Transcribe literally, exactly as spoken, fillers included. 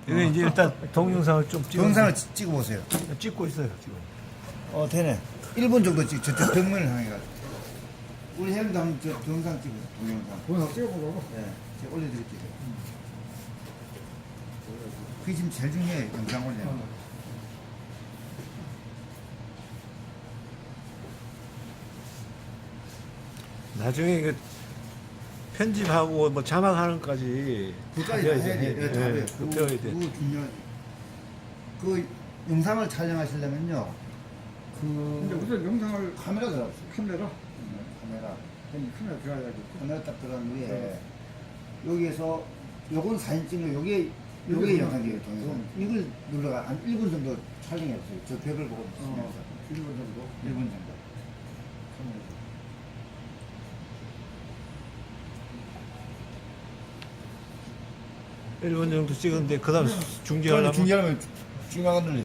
이게 이제 일단 동영상을 좀 찍어. 동영상을 찍- 찍어보세요. 찍고 있어요 지금. 어, 되네. 일 분 정도 찍, 저쪽 벽면을 향해가지고. 우리 형도 한번 저 동영상 찍으세요, 동영상. 동영상 찍어보자고. 네, 제가 올려드릴게요. 그게 지금 제일 중요해요, 영상 올리는 거. 나중에 그 편집하고 뭐 자막하는 것까지 그까지 배워야 다 해야 돼. 돼. 예, 다 예, 해요. 그거 배워야 돼. 그거 중요하지. 그 영상을 촬영하시려면요, 근데 그 우선 영상을 카메라 들어가세요. 카메라, 카메라. 아니, 카메라 들어가야지. 카메라 딱 들어간 후에 네. 여기에서 요건 사진 찍는 요게 요게 이거 영상이에요, 동영상. 음. 이걸 눌러가 한 일 분 정도 촬영해보세요. 저 벽을 보고 어, 있으면서 일 분 정도. 일 분 정도. 일 분 정도 찍었는데 그다음 중지하려면 중요하면 중요한 걸